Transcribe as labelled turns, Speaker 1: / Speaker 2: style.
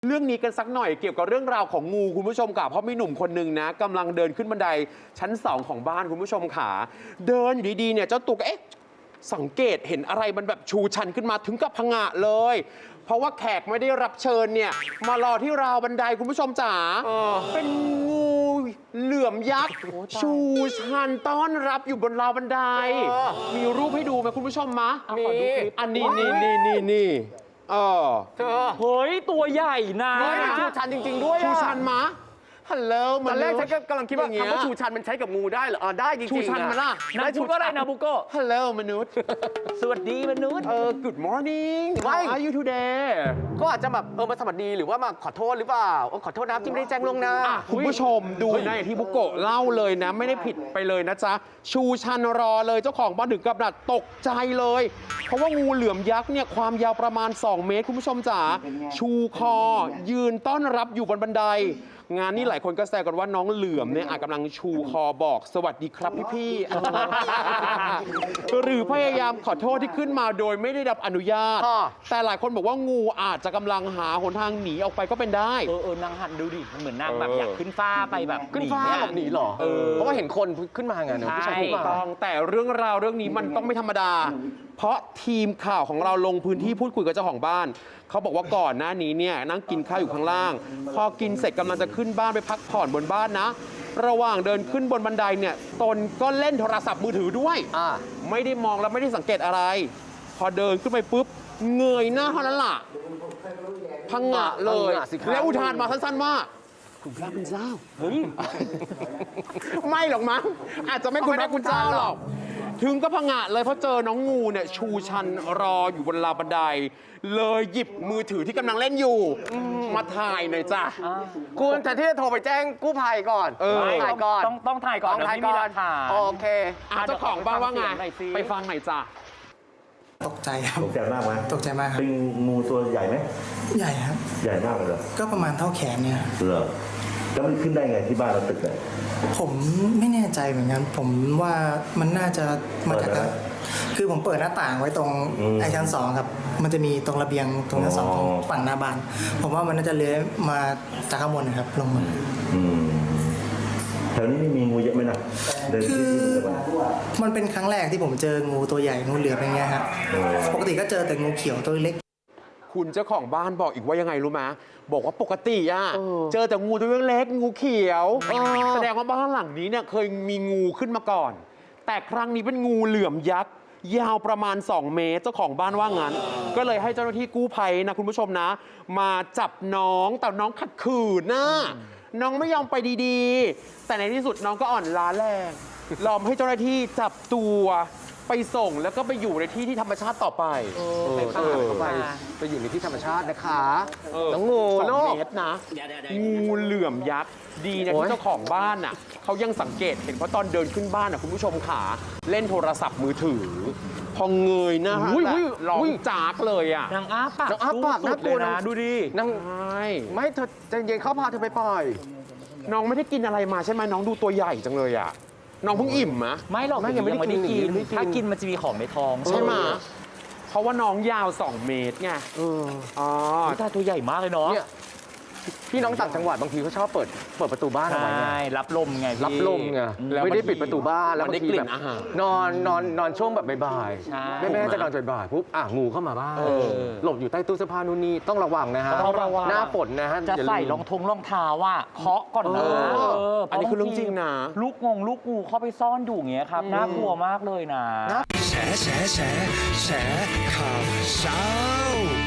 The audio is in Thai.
Speaker 1: เรื่องนี้กันสักหน่อยเกี่ยวกับเรื่องราวของงูคุณผู้ชมค่ะเพราะมีหนุ่มคนหนึ่งนะกำลังเดินขึ้นบันไดชั้น2ของบ้านคุณผู้ชมค่ะเดินอยู่ดีๆเนี่ยเจ้าตัวก็สังเกตเห็นอะไรมันแบบชูชันขึ้นมาถึงกับผงะเลยเพราะว่าแขกไม่ได้รับเชิญเนี่ยมารอที่ราวบันไดคุณผู้ชมจ๋าเป็นงูเหลือมยักษ์ชูชันต้อนรับอยู่บนราวบันไดมีรูปให้ดูไหมคุณผู้ชมมะมีอันนี้นี่
Speaker 2: เฮ้ยตัวใหญ่นะ
Speaker 3: ชูชันจริงๆด้วย
Speaker 1: ชูชันมะฮัลโหล
Speaker 3: ตอนแรกฉันกำลังคิดว่าคำว่าชูชันมันใช้กับงูได้เหรอได้จริงๆ
Speaker 1: ชูชันมาล่ะ
Speaker 2: นายพูดว่าอะไรนะบุโก้
Speaker 1: ฮัลโหลมนุษย์
Speaker 2: สวัสดีมนุษย์
Speaker 1: good morning how are you today
Speaker 3: ก็อาจจะแบบมาสวัสดีหรือว่ามาขอโทษหรือเปล่าขอโทษนะที่ไม่ได้แจ้งล่วงหน้า
Speaker 1: คุณผู้ชมดูนะอย่างที่บุโกะเล่าเลยนะไม่ได้ผิดไปเลยนะจ๊ะชูชันรอเลยเจ้าของบ้านถึงกับดัดตกใจเลยเพราะว่างูเหลือมยักษ์เนี่ยความยาวประมาณ2 เมตรคุณผู้ชมจ๋าชูคอยืนต้อนรับอยู่บนบันไดงานนี้หลายคนก็แซวกันว่าน้องเหลือมเนี่ยอาจกำลังชูคอบอกสวัสดีครับพี่ๆหรือพยายามขอโทษที่ขึ้นมาโดยไม่ได้รับอนุญาตแต่หลายคนบอกว่างูอาจจะกำลังหาหนทางหนีออกไปก็เป็นได้
Speaker 2: นางหันดูดิมันเหมือนนางแบบอยากขึ้นฟ้าไปแบบ
Speaker 3: ขึ้นฟ้าหลบหนีหรอเพราะว่าเห็นคนขึ้นมาไง
Speaker 1: ใช่ต้องแต่เรื่องราวเรื่องนี้มันต้องไม่ธรรมดาเพราะทีมข่าวของเราลงพื้นที่พูดคุยกับเจ้าของบ้านเขาบอกว่าก่อนหน้านี้เนี่ยนั่งกินข้าวอยู่ข้างล่างพอกินเสร็จกำลังจะขึ้นบ้านไปพักผ่อนบนบ้านนะระหว่างเดินขึ้นบนบันไดเนี่ยตนก็เล่นโทรศัพท์มือถือด้วยไม่ได้มองและไม่ได้สังเกตอะไรพอเดินขึ้นไปปุ๊บเงยหน้าเท่านั้นล่ะพังงะเลยแล้วอุทานมาสั้นๆว่าคุณพระคุณเจ้าเฮ้ยไม่หรอกมั้งอาจจะไม่คุณพระคุณเจ้าหรอกถึงก็พังงะเลยเพราะเจอน้องงูเนี่ยชูชันรออยู่บนราวบันไดเลยหยิบมือถือที่กำลังเล่นอยู่มาถ่ายหน่อยจ้ะ
Speaker 3: คุณแต่ที่จะโทรไปแจ้งกู้ภัยก่อน
Speaker 2: ถ่ายก่อนต้องถ่ายก่อน
Speaker 3: ถ่ายก่อนโอเค
Speaker 1: เจ้าของบ้านว่าไงไปฟังหน่อยจ้ะ
Speaker 4: ตกใจครับ
Speaker 5: ตกใจมากไหม
Speaker 4: ตกใจมากครับ
Speaker 5: เป็นงูตัวใหญ่ไหม
Speaker 4: ใหญ่ครับ
Speaker 5: ใหญ่มากเลยเหรอ
Speaker 4: ก็ประมาณเท่าแขนเนี่ย
Speaker 5: เหรอแล้วมันขึ้นได้ไงที่บ้านเราตึกเลย
Speaker 4: ผมไม่แน่ใจเหมือนกันผมว่ามันน่าจะมาจากคือผมเปิดหน้าต่างไว้ตรงไอชั้น2ครับมันจะมีตรงระเบียงตรงชั้น2ของฝั่งหน้าบ้านผมว่ามันน่าจะเลื้อยมาจากข้างบนนะครับลงมา
Speaker 5: แถวนี้มีงูเยอะไหมนะเดินที่
Speaker 4: มันเป็นครั้งแรกที่ผมเจองูตัวใหญ่งูเหลือมอย่างเงี้ยครับปกติก็เจอแต่งูเขียวตัวเล็ก
Speaker 1: คุณเจ้าของบ้านบอกอีกว่ายังไงรู้ไหมบอกว่าปกติเจอแต่งูตัวเล็กงูเขียวแสดงว่าบ้านหลังนี้เนี่ยเคยมีงูขึ้นมาก่อนแต่ครั้งนี้เป็นงูเหลือมยักษ์ยาวประมาณ2 เมตรเจ้าของบ้านว่างั้นก็เลยให้เจ้าหน้าที่กู้ภัยนะคุณผู้ชมนะมาจับน้องแต่น้องขัดขืนนะน้องไม่ยอมไปดีๆแต่ในที่สุดน้องก็อ่อนล้าแรงยอมให้เจ้าหน้าที่จับตัวไปส่งแล้วก็ไปอยู่ในที่ที่ธรรมชาติต่อไป
Speaker 3: ไปอยู่ในที่ธรรมชาตินะคะน้องงู
Speaker 1: 2 เมตรนะงูเหลือมยักษ์ดีนะที่เจ้าของบ้านน่ะเขายังสังเกตเห็นเพราะตอนเดินขึ้นบ้านน่ะคุณผู้ชมขาเล่นโทรศัพท์มือถือพอเงยหน้าร้องจากเลยอ่ะ
Speaker 2: นางอ้าปาก
Speaker 3: น่ากลัวนะ
Speaker 2: ดูดิ
Speaker 3: นางไม่เธอใจเย็นเขาพาเธอไปปล่อย
Speaker 1: น้องไม่ได้กินอะไรมาใช่ไหมน้องดูตัวใหญ่จังเลยอ่ะน้องเพิ่งอิ่มมะ
Speaker 2: ไม่หรอกยังไม่ได้กินถ้ากินมันจะมีของในท้อง
Speaker 1: ใช่ไหมเพราะว่าน้องยาว2 เมตรไง
Speaker 2: ตาตัวใหญ่มากเลยเนาะ
Speaker 3: พี่น้องต่างจังหวัดบางทีเขาชอบเปิดประตูบ้านเอาไว้
Speaker 2: รับลมไง
Speaker 3: รับลมไงไม่ได้ปิดประตูบ้านแล้วบางทีแบบนอนช่วงแบบบ่ายแม่จะนอนบ่ายปุ๊บงูเข้ามาบ้านหลบอยู่ใต้ตู้เสื้อผ้านู่นนี่ต้องระวังนะฮะหน้าฝนนะฮะ
Speaker 2: จะใส่รองเท้าว่าเคาะก่อนนะ
Speaker 1: อันนี้คือเรื่องจริงนะ
Speaker 2: ลูกงูเข้าไปซ่อนอยู่อย่างเงี้ยครับน่ากลัวมากเลยนะ
Speaker 6: แฉข่าวเช้า